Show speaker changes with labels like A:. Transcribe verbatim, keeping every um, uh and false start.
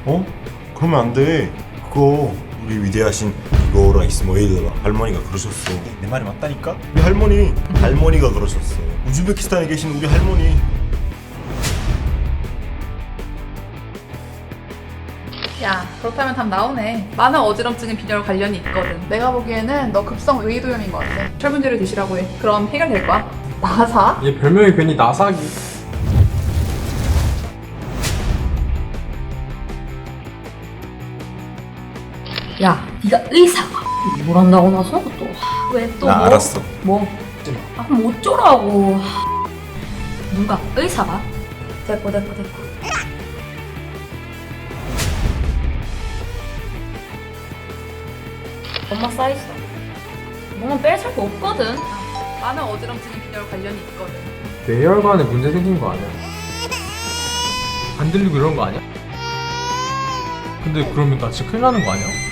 A: 어? 그러면 안 돼. 그거 우리 위대하신 이거라 이스마일 할머니가 그러셨어. 내 말이 맞다니까? 우리 할머니 할머니가 그러셨어. 우즈베키스탄에 계신 우리 할머니.
B: 야, 그렇다면 답 나오네. 많은 어지럼증은 빈혈 관련이 있거든. 내가 보기에는 너 급성 의도염인 것 같아. 철분제를 드시라고 해. 그럼 해결될 거야. 나사?
C: 얘 별명이 괜히 나사기.
D: 야, 네가 의사가 뭘 한다고 나서 또 왜 또
A: 나
D: 뭐?
A: 알았어.
D: 뭐? 아 그럼 어쩌라고? 누가 의사가? 됐고 됐고 됐고. 엄마 사이즈. 뭐만 뺄 살거 없거든.
B: 많은 어지럼증은 빈혈 관련이 있거든.
C: 뇌혈관에 문제 생긴 거 아니야? 안 들리고 이런 거 아니야? 근데 그러면 나 진짜 큰일 나는 거 아니야?